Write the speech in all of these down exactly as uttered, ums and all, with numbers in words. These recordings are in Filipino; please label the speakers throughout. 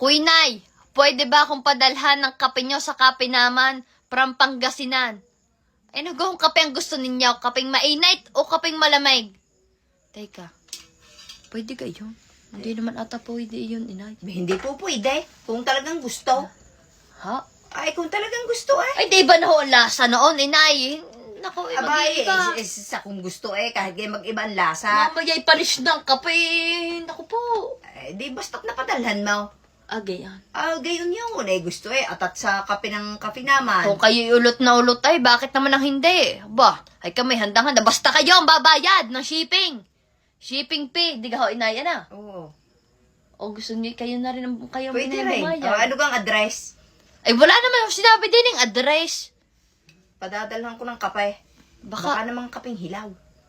Speaker 1: Kuinay, pwede ba akong padalhan ng kape nyo sa kape naman from Pangasinan? Eh, nagawang kape ang gusto ninyo? Kapeng mainit o kapeng malamig? Teka, pwede kayo? Hindi naman ata pwede yun, inay.
Speaker 2: Hindi po pwede. Kung talagang gusto.
Speaker 1: Ha?
Speaker 2: Ay, kung talagang gusto eh.
Speaker 1: Ay, di ba na ho ang lasa noon, inay? Naku, eh,
Speaker 2: Abay,
Speaker 1: mag-iiba.
Speaker 2: eh, sa kung gusto eh, kahit kayo mag-iba ang lasa.
Speaker 1: Mamaya'y panis ng kape. Naku po.
Speaker 2: Eh, di basta't napadalhan mo.
Speaker 1: Agay yan.
Speaker 2: Ah, gayon yun. Eh, gusto eh. Atat sa kape ng kape naman.
Speaker 1: Kung kayo ulot na ulot ay, bakit naman ang hindi? Ba, ay kami handang-handa. Basta kayo ang babayad ng shipping. Shipping fee. Di ka ho, inay, na.
Speaker 2: Oo.
Speaker 1: O gusto niyo, kayo na rin ang kayo
Speaker 2: Pwede
Speaker 1: na
Speaker 2: rin.
Speaker 1: bumayad.
Speaker 2: Oh, ano kang address?
Speaker 1: Ay, wala naman ako sinabi din yung address.
Speaker 2: Padadalhan ko ng kape.
Speaker 1: Baka,
Speaker 2: Baka namang kaping hilaw.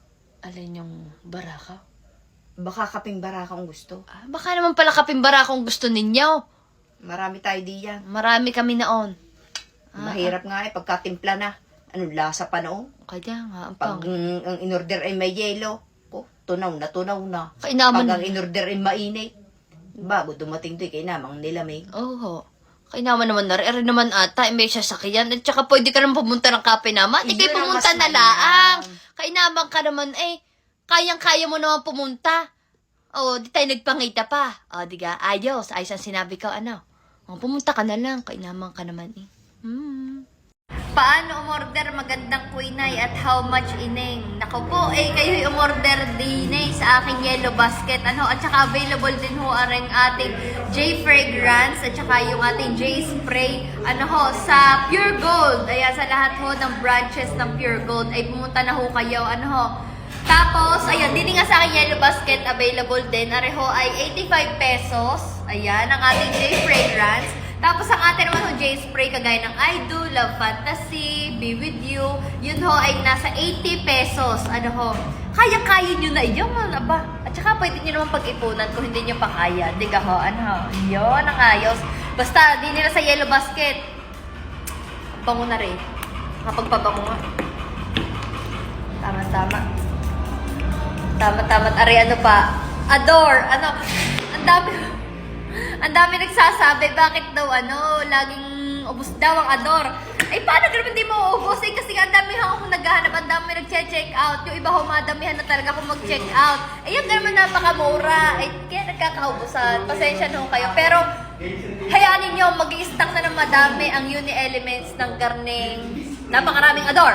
Speaker 1: alin yung baraka?
Speaker 2: Baka kaping baraka kung gusto.
Speaker 1: Ah, baka naman pala kapimbara kung gusto ninyo.
Speaker 2: Marami tayo diyan.
Speaker 1: Marami kami naon. Ah,
Speaker 2: Mahirap nga eh, pagkatimpla na. Ano, lasa pa noon.
Speaker 1: Kaya nga, ang
Speaker 2: Pag
Speaker 1: pang.
Speaker 2: mm, ang in-order ay may yelo, oh, tunaw na, tunaw na.
Speaker 1: Kainaman.
Speaker 2: Pag ang in-order ay mainit, bago dumating to, kainamang nilamig.
Speaker 1: Oo. Kainaman naman na rin. naman ata, eh, may sasakyan. At saka pwede ka naman pumunta ng kape naman. Ikay
Speaker 2: Yun ang
Speaker 1: pumunta
Speaker 2: mas
Speaker 1: na
Speaker 2: mainam.
Speaker 1: laang. Kainaman ka naman eh. Kayang-kaya mo naman pumunta. O, di tayo nagpangita pa. O, di ka, ayos. Ayos ang sinabi ko, ano. O, pumunta ka na lang. Kainaman ka naman eh. Hmm. Paano umorder magandang kuinay at how much ineng? Naku po, eh kayo umorder din eh sa aking yellow basket. Ano, at saka available din ho ang ating J Fragrance at saka yung ating J Spray. Ano ho, sa Pure Gold. Ayan, sa lahat ho ng branches ng Pure Gold ay pumunta na ho kayo. Ano ho. Tapos, ayan, din nga sa aking yellow basket available din. Areho ay eighty-five pesos. Ayan, ang ating J Fragrance. Tapos ang atin naman yung J-Spray kagaya ng I Do, Love Fantasy, Be With You, yun ho ay nasa eighty pesos. Ano ho, kaya-kaya nyo na yun, aba. At saka pwede nyo naman pag-ipunan kung hindi nyo pa kaya. Diga ho, ano ho, yun ang ayos. Basta, di nila sa yellow basket. Bango na rin. Kapagpabango nga. Tama-tama. Tama-tama. Ari, ano pa? Adore. Ano, ang dami. Ang dami nagsasabi, bakit daw ano, laging ubos daw ang Adore. Ay, paano naman di mo ubos? Eh, kasi ang dami akong naghahanap, ang dami nag-check out. Yung iba humadamihan na talaga kung mag-check out. Ay, yung naman napakamura. Ay, kaya nagkakaubusan. Pasensya na ho kayo. Pero, hayaan ninyo, mag-i-stock na ng madami ang uni elements ng garning napakaraming Adore.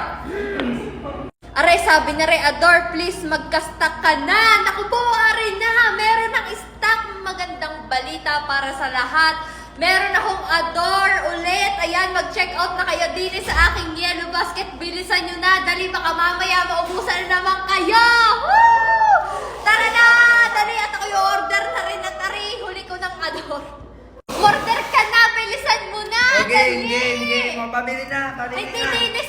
Speaker 1: Aray, sabi na rin, Adore, please, magka-stock ka na. Naku po, aray na. Meron ng stock. Magandang balita para sa lahat. Meron akong Adore ulit. Ayan, mag-check out na kayo din sa aking yellow basket. Bilisan nyo na. Dali, baka mamaya maubusan na naman kayo. Woo! Tara na! Dali, at ako yung order na rin na tari. Huli ko ng Adore. Order ka na. Bilisan mo na.
Speaker 2: Okay,
Speaker 1: Dali.
Speaker 2: okay, okay. Mapabili na, pabili
Speaker 1: Ay,
Speaker 2: na.
Speaker 1: tininis